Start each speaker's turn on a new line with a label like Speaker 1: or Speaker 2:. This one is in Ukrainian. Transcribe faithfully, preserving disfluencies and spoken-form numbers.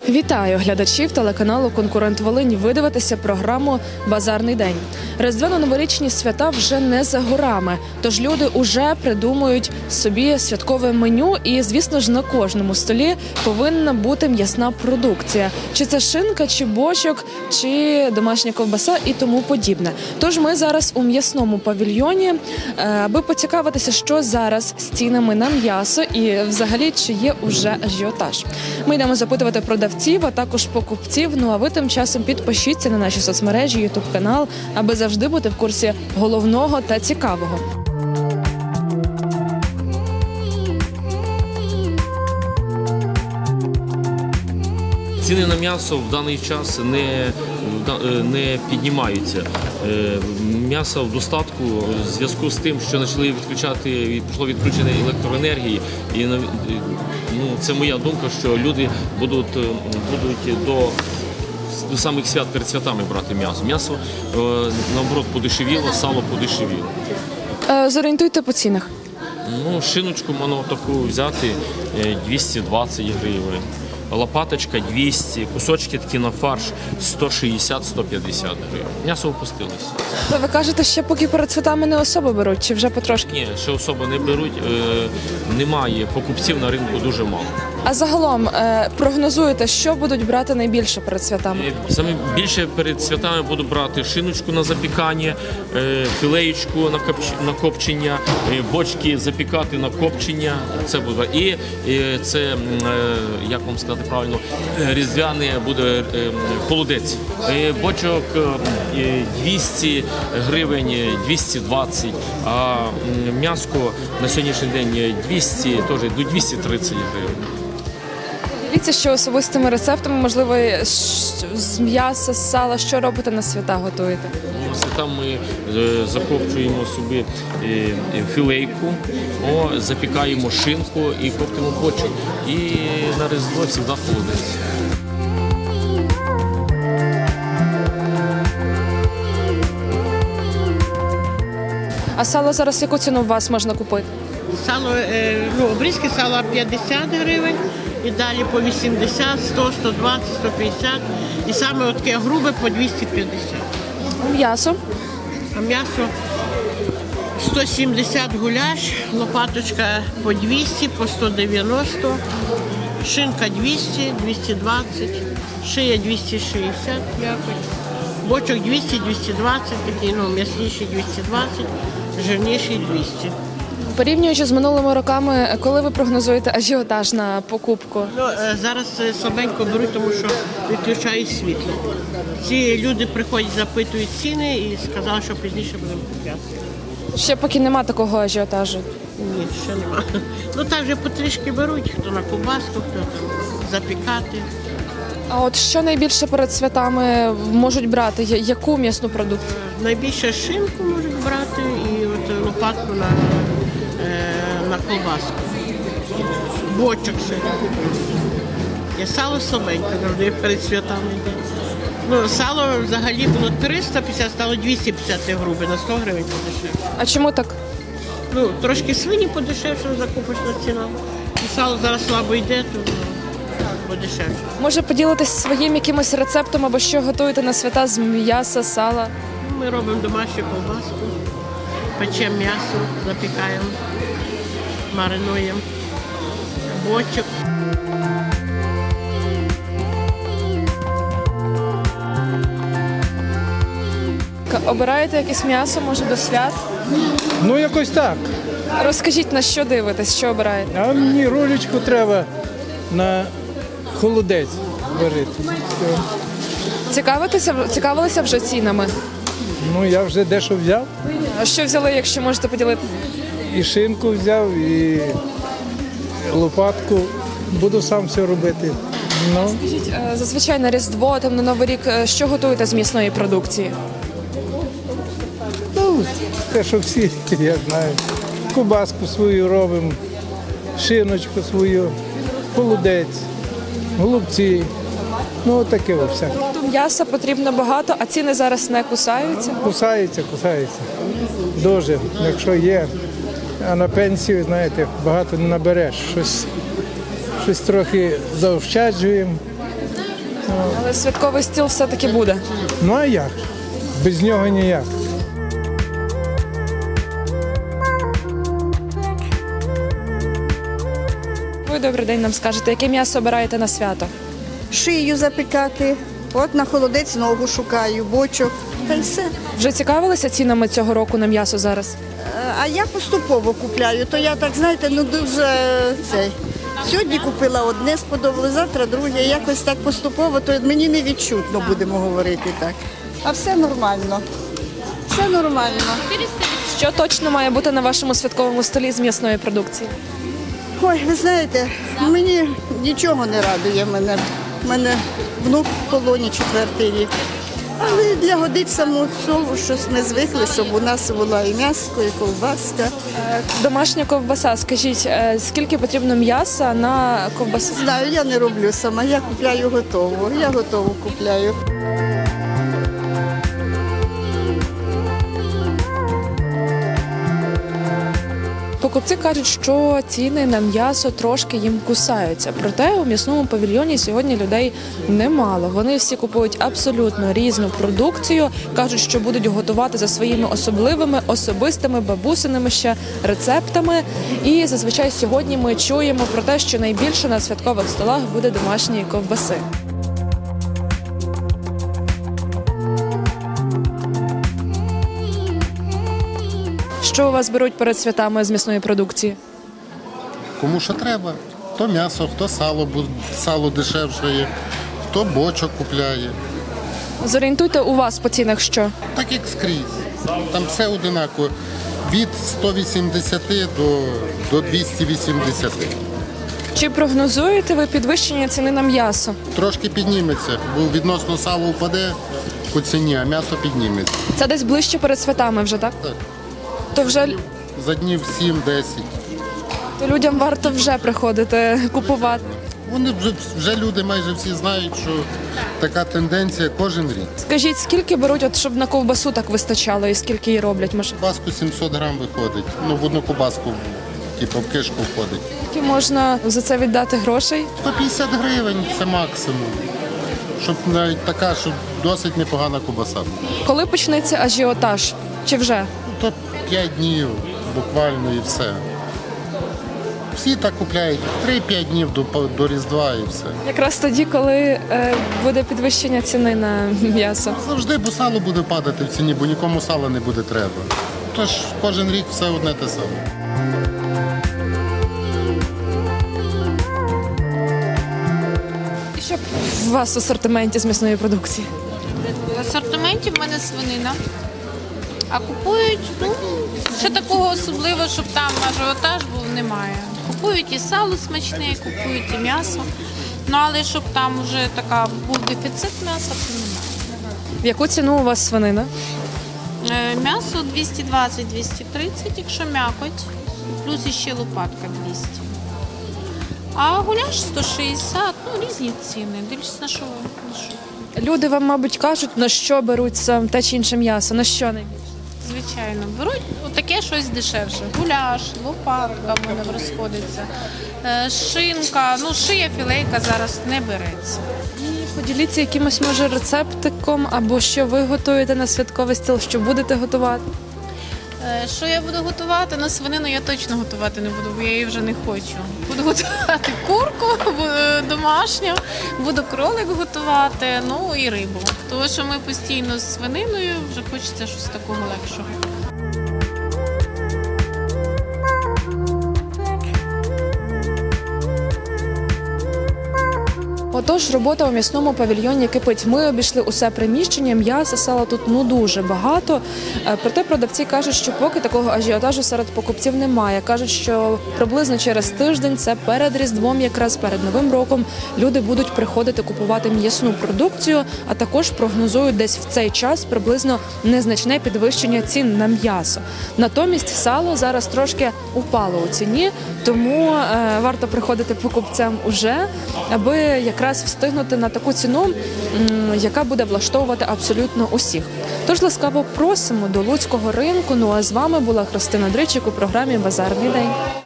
Speaker 1: Вітаю глядачів телеканалу «Конкурент Волинь». Ви дивитеся програму «Базарний день». Різдвяно-новорічні свята вже не за горами, тож люди уже придумують собі святкове меню і, звісно ж, на кожному столі повинна бути м'ясна продукція. Чи це шинка, чи бочок, чи домашня ковбаса і тому подібне. Тож ми зараз у м'ясному павільйоні, аби поцікавитися, що зараз з цінами на м'ясо і взагалі, чи є уже ажіотаж. Ми йдемо запитувати продавців, а також покупців. Ну а ви тим часом підпишіться на наші соцмережі, ютуб-канал, аби завжди бути в курсі головного та цікавого.
Speaker 2: Ціни на м'ясо в даний час не, не піднімаються. М'ясо в достатку в зв'язку з тим, що почали відключати, пішло відключення електроенергії. І ну, це моя думка, що люди будуть, будуть до, до самих свят перед святами брати м'ясо. М'ясо, наоборот, подешевіло, сало подешевіло.
Speaker 1: Зорієнтуйте по цінах.
Speaker 2: Ну, шиночку можна таку взяти двісті двадцять гривень. Лопаточка двісті, кусочки такі на фарш сто шістдесят - сто п'ятдесят гривень. М'ясо опустилося.
Speaker 1: То ви кажете, що поки перед святами не особо беруть, чи вже потрошки?
Speaker 2: Ні, ще особо не беруть, е, немає, покупців на ринку дуже мало.
Speaker 1: А загалом е, прогнозуєте, що будуть брати найбільше перед святами?
Speaker 2: Е, Саме більше перед святами буду брати шиночку на запікання, е, філеєчку на, копч... на копчення, е, бочки запікати на копчення. Це буде. І е, це, е, як вам сказати правильно, різдвяний буде е, холодець. Е, бочок е, двісті гривень, двісті двадцять, а м'яско на сьогоднішній день двісті, теж до двісті тридцять гривень.
Speaker 1: Дивіться, що особистими рецептами, можливо, з м'яса, з сала, що робите на свята, готуєте?
Speaker 2: На свята ми закопчуємо собі філейку, о, запікаємо шинку і коптимо бочок. І на Різдво завжди холодець.
Speaker 1: А сало зараз яку ціну у вас можна купити?
Speaker 3: Сало, ну, обрізки сала п'ятдесят гривень, і далі по вісімдесят, сто, сто двадцять, сто п'ятдесят. І саме таке грубе по двісті п'ятдесят.
Speaker 1: М'ясо?
Speaker 3: А м'ясо сто сімдесят гуляш, лопаточка по двісті, по сто дев'яносто, шинка двісті, двісті двадцять, шия двісті шістдесят, бочок двісті, двісті двадцять, такий, ну, м'ясніший двісті двадцять, жирніший двісті.
Speaker 1: Порівнюючи з минулими роками, коли ви прогнозуєте ажіотаж на покупку?
Speaker 3: Ну, зараз слабенько беруть, тому що відключають світло. Ці люди приходять, запитують ціни і сказали, що пізніше будемо купляти.
Speaker 1: Ще поки нема такого ажіотажу?
Speaker 3: Ні, ще нема. Ну так вже потрішки беруть, хто на ковбаску, хто там запікати.
Speaker 1: А от що найбільше перед святами можуть брати? Яку м'ясну продукцію?
Speaker 3: Найбільше шинку можуть брати і от лопатку на, на ковбаску. Бочок ще. Я сало слабенько завжди перед святами йде. Ну, сало взагалі було триста п'ятдесят, стало двісті п'ятдесят грубе, на сто гривень подешевше.
Speaker 1: А чому так?
Speaker 3: Ну, трошки свині подешевше, закупочна ціна. І сало зараз слабо йде, то подешевше.
Speaker 1: Може поділитись своїм якимось рецептом або що готуєте на свята з м'яса, сала?
Speaker 3: Ми робимо домашню ковбаску, печемо м'ясо, запікаємо, маринуємо, бочок.
Speaker 1: Обираєте якесь м'ясо, може, до свят?
Speaker 4: Ну, якось так.
Speaker 1: Розкажіть, на що дивитесь, що обираєте?
Speaker 4: А мені ролечку треба на холодець варити. Все.
Speaker 1: Цікавитеся, цікавилися вже цінами?
Speaker 4: Ну, я вже дещо взяв.
Speaker 1: А що взяли, якщо можете поділити?
Speaker 4: І шинку взяв, і лопатку. Буду сам все робити. Ну,
Speaker 1: Скажіть, е, зазвичай на Різдво, там, на Новий рік, е, що готуєте з м'ясної продукції?
Speaker 4: ну, те, що всі, я знаю. Кубаску свою робимо, шиночку свою, холодець, голубці. Ну, таке все.
Speaker 1: М'яса потрібно багато, а ціни зараз не кусаються.
Speaker 4: Кусається, кусається. Дуже, якщо є. А на пенсію, знаєте, багато не набереш. Щось, щось трохи заощаджуємо.
Speaker 1: Але святковий стіл все-таки буде.
Speaker 4: Ну а як? Без нього ніяк.
Speaker 1: Ви добрий день нам скажете, яке м'ясо обираєте на свято?
Speaker 5: Шию запікати. От на холодець ногу шукаю, бочок. Та й все.
Speaker 1: Вже цікавилися цінами цього року на м'ясо зараз?
Speaker 5: Е, А я поступово купляю, то я так, знаєте, ну дуже цей. Сьогодні купила одне, сподобалось, завтра друге. Якось так поступово, то мені не відчутно, будемо говорити так. А все нормально. Все нормально.
Speaker 1: Що точно має бути на вашому святковому столі з м'ясної продукції?
Speaker 5: Ой, ви знаєте, мені нічого не радує мене. У мене внук в полоні четвертий рік. Але для годить саму сову щось ми звикли, щоб у нас була і м'яско, і ковбаска.
Speaker 1: Домашня ковбаса, скажіть, е, скільки потрібно м'яса на ковбасу?
Speaker 5: Знаю, я не роблю сама, я купляю готову. Я готову купляю.
Speaker 1: Покупці кажуть, що ціни на м'ясо трошки їм кусаються. Проте у м'ясному павільйоні сьогодні людей немало. Вони всі купують абсолютно різну продукцію. Кажуть, що будуть готувати за своїми особливими, особистими, бабусиними ще рецептами. І зазвичай сьогодні ми чуємо про те, що найбільше на святкових столах буде домашньої ковбаси. Що у вас беруть перед святами з м'ясної продукції?
Speaker 6: Кому що треба. Хто м'ясо, хто сало, бо сало дешевше є, хто бочок купляє.
Speaker 1: Зорієнтуйте у вас по цінах що?
Speaker 6: Так як скрізь. Там все одинаково. Від сто вісімдесят до, до двісті вісімдесят.
Speaker 1: Чи прогнозуєте ви підвищення ціни на м'ясо?
Speaker 6: Трошки підніметься, бо відносно сало впаде по ціні, а м'ясо підніметься.
Speaker 1: Це десь ближче перед святами вже, так?
Speaker 6: Так.
Speaker 1: То вже
Speaker 6: За днів сім-десять.
Speaker 1: то людям варто вже приходити купувати.
Speaker 6: Вони вже, вже люди майже всі знають, що така тенденція кожен рік.
Speaker 1: Скажіть, скільки беруть, от щоб на ковбасу так вистачало, і скільки її роблять? Може,
Speaker 6: Кубаску сімсот грам виходить. Ну, в одну кубаску, типу, в кишку входить.
Speaker 1: скільки можна за це віддати грошей?
Speaker 6: сто п'ятдесят гривень це максимум. Щоб навіть така, щоб досить непогана кубаса була.
Speaker 1: Коли почнеться ажіотаж? Чи вже?
Speaker 6: То п'ять днів буквально і все. Всі так купляють три-п'ять днів до, до Різдва і все.
Speaker 1: Якраз тоді, коли е, буде підвищення ціни на м'ясо.
Speaker 6: Завжди, бо сало буде падати в ціні, бо нікому сала не буде треба. Тож кожен рік все одне те саме.
Speaker 1: І що у вас в асортименті з м'ясної продукції?
Speaker 7: В асортименті в мене свинина. А купують, ну, що такого особливого, щоб там ажіотаж був, немає. Купують і сало смачне, купують і м'ясо. Ну, але щоб там вже така був дефіцит м'яса, то немає.
Speaker 1: В яку ціну у вас свинина?
Speaker 7: Е, М'ясо двісті двадцять - двісті тридцять, якщо м'якоть, плюс іще лопатка двісті. А гуляш сто шістдесят, ну, різні ціни. Дивлюсь, на що, на що.
Speaker 1: Люди вам, мабуть, кажуть, на що беруть сам те чи інше м'ясо, на що найбільше?
Speaker 7: Звичайно, беруть таке щось дешевше. Гуляш, лопатка в мене розходиться, е, шинка, ну шия, філейка зараз не береться.
Speaker 1: Поділіться якимось, може, рецептиком, або що ви готуєте на святковий стіл, що будете готувати.
Speaker 7: Е, Що я буду готувати? На свинину я точно готувати не буду, бо я її вже не хочу. Буду готувати курку бу- домашню, буду кролик готувати, ну і рибу. Тому що ми постійно з свининою, вже хочеться щось такого легшого.
Speaker 1: Отож, робота у м'ясному павільйоні кипить. Ми обійшли усе приміщення, м'яса, сала тут ну дуже багато. Е, Проте продавці кажуть, що поки такого ажіотажу серед покупців немає. Кажуть, що приблизно через тиждень, це перед Різдвом, якраз перед Новим роком, люди будуть приходити купувати м'ясну продукцію, а також прогнозують десь в цей час приблизно незначне підвищення цін на м'ясо. Натомість сало зараз трошки упало у ціні, тому е, варто приходити покупцям уже, аби якраз встигнути на таку ціну, м, яка буде влаштовувати абсолютно усіх. Тож ласкаво просимо до Луцького ринку. Ну а з вами була Христина Дричик у програмі «Базарний день».